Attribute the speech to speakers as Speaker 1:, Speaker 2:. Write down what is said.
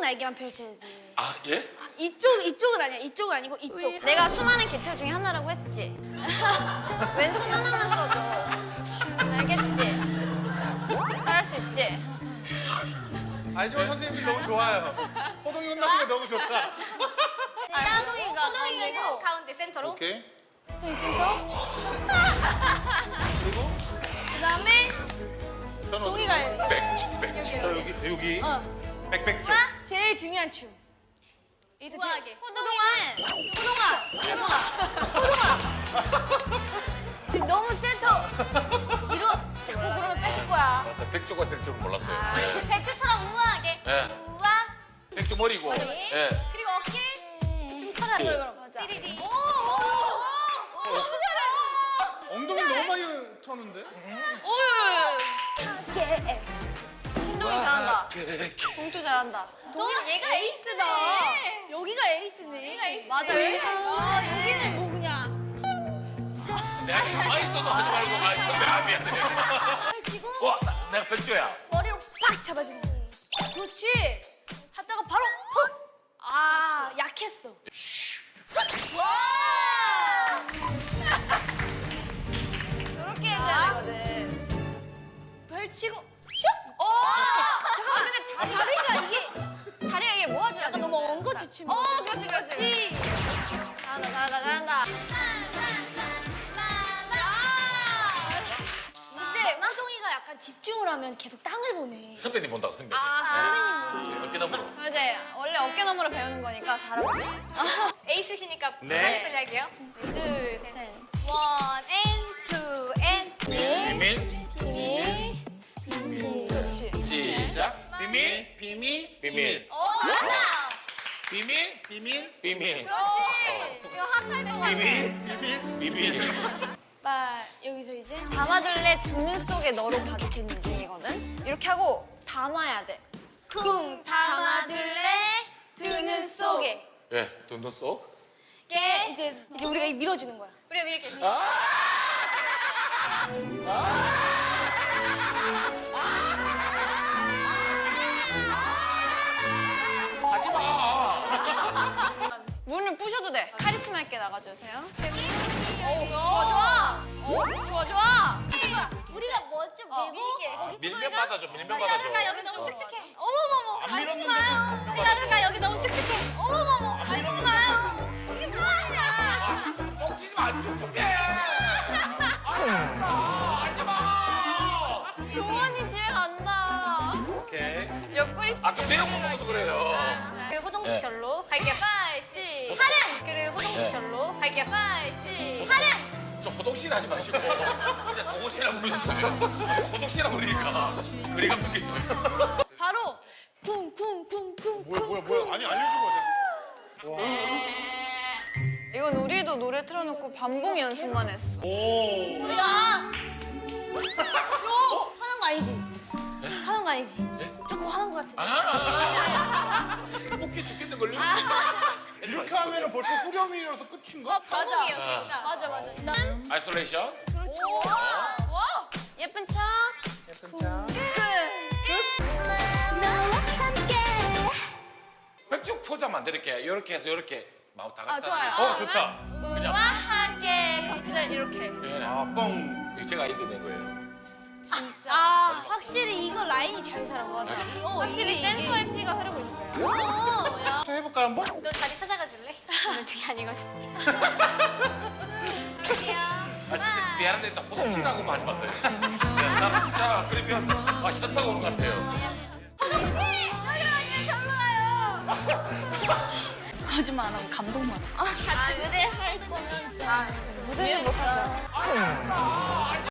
Speaker 1: 날개만 펼쳐야 돼.
Speaker 2: 아 예?
Speaker 1: 이쪽은 아니야. 이쪽은 아니고 이쪽. 내가 수많은 개털 중에 하나라고 했지. 왼손 하나만 써줘. 알겠지? 잘할 수 있지?
Speaker 3: 안시원 선생님이 너무 좋아요. 호동이 혼나는 게 너무 좋다.
Speaker 1: 호동이가
Speaker 4: 호동이가 가운데 센터로.
Speaker 3: 오케이.
Speaker 2: 그리고
Speaker 1: 그다음에
Speaker 3: 저는
Speaker 1: 동이가
Speaker 2: 백.
Speaker 3: 저 여기 백백 쪽.
Speaker 1: 제일 중요한 춤.
Speaker 4: 우아하게.
Speaker 1: 지금 너무 센터
Speaker 4: 자꾸 그러면 뺏을 거야.
Speaker 2: 나 백조가 될 줄은 몰랐어요.
Speaker 4: 백주처럼 우아하게.
Speaker 2: 예.
Speaker 4: 우아.
Speaker 2: 백조 머리고. 예.
Speaker 4: 그리고 어깨.
Speaker 1: 좀 타라. 그럼 맞아.
Speaker 4: 띠리디.
Speaker 3: 엉덩이 너무 많이 터는데?
Speaker 1: 신동이 잘한다. 동주 잘한다.
Speaker 4: 얘가 에이스다.
Speaker 1: 여기가 에이스네.
Speaker 4: 여기가 에이스네.
Speaker 1: 맞아. 여기는 뭐 그냥.
Speaker 2: 내가 가만히 있어도 하지 말고 미안해.
Speaker 1: 지고
Speaker 2: 와 내가 백조야.
Speaker 1: 머리로 팍 잡아주는 거야. 그렇지. 하다가 바로 훅. 아 약했어. 와. 저렇게 해줘야 되거든. 펼치고 슉. 잠깐만 근데 다리가 이게 모아줘야 약간 너무 엉거주춤. 그렇지. 잘한다. 근데 호동이가 약간 집중을 하면 계속 땅을 보네.
Speaker 2: 선배님 본다고 선배님.
Speaker 1: 선배님.
Speaker 2: 어깨너머로.
Speaker 1: 맞아요. 원래 어깨너머로 배우는 거니까 잘하고 있어.
Speaker 4: 에이스시니까
Speaker 2: 네.
Speaker 4: 빨리 할게요. 둘, 셋.
Speaker 1: 셋.
Speaker 4: 원, 앤, 투, 앤.
Speaker 2: 비밀.
Speaker 1: 비밀. 그렇지.
Speaker 2: 시작. 비밀. 비밀.
Speaker 4: 오, 잘한다.
Speaker 2: 비밀. 비밀.
Speaker 4: 그렇지. 이거 핫할 것 같아.
Speaker 2: 비밀.
Speaker 1: 여기서 이제 담아둘래 두 눈 속에 너로 가득했는 중이거든. 이렇게 하고 담아야 돼. 쿵 담아둘래 두 눈 속에.
Speaker 2: 예. 돈도 쏙.
Speaker 1: 이제 우리가 밀어주는 거야.
Speaker 4: 우리가 이렇게 시작.
Speaker 2: 하지 마.
Speaker 1: 문을 부셔도 돼. 카리스마 있게 나가주세요.
Speaker 4: 좋아.
Speaker 1: 좋아.
Speaker 4: 우리가 먼저 밀고.
Speaker 2: 밀면 받아줘. 밀면 받아줘.
Speaker 4: 야르가 여기 너무 칙칙해. 어머머머.
Speaker 3: 안
Speaker 4: 만지지
Speaker 3: 밀었는데.
Speaker 4: 마요. 야르가 여기 너무 칙칙해. 어머머머. 만지지 마요. 이게 뭐하냐.
Speaker 2: 뻥치지 마. 안 축축해. 하지 마.
Speaker 1: 용환이 집에 간다.
Speaker 3: 오케이.
Speaker 1: 옆구리
Speaker 2: 아까 내용 못 먹어서 그래요.
Speaker 4: 그리고 호동 씨 절로 할게요. 5, 6. 할은. 그리고 호동 씨 절로 할게요. 5, 6. 할은.
Speaker 2: 저 호동씨는 하지 마시고 이제 도고씨라 부르셨어요. 호동씨라 부르니까 거리가 느껴져요.
Speaker 1: 바로 쿵쿵쿵쿵쿵.
Speaker 3: 뭐야. 아니 알려준 거죠.
Speaker 1: 이건 우리도 노래 틀어놓고 반복 연습만 했어.
Speaker 3: 오.
Speaker 1: 야! 화난 거 아니지? 화난 거 아니지? 조금 화난 거 같은데.
Speaker 2: 행복해 죽겠는 걸요.
Speaker 3: 이렇게 하면은 벌써 후렴이라서 끝인가?
Speaker 1: 맞아.
Speaker 2: 아이솔레이션.
Speaker 1: 그렇지. 와! 예쁜 척.
Speaker 2: 백쪽 포장 만들게. 이렇게 해서 이렇게 마음 다 같이.
Speaker 4: 좋아요.
Speaker 3: 좋다.
Speaker 4: 우아하게 경치를 이렇게.
Speaker 2: 예.
Speaker 3: 아 뻥.
Speaker 2: 이거 제가 아이디어 낸 거예요.
Speaker 1: 확실히 이거 라인이 잘 살아. 맞아.
Speaker 4: 확실히 센터 MP가 흐르고 있어요.
Speaker 1: 야.
Speaker 3: 또 해볼까요 한번?
Speaker 4: 너 자리 찾아가 줄래? 오늘 중이 아니거든. 갈게요.
Speaker 2: 아 진짜 미안한데 일단 호동씨라고만 하지 마세요. 나 진짜 그러면 현타가 오는 것 같아요.
Speaker 1: 거짓말 안 하고 감동만 하고.
Speaker 4: 같이 무대 할 거면 좀.
Speaker 1: 무대는 못하죠.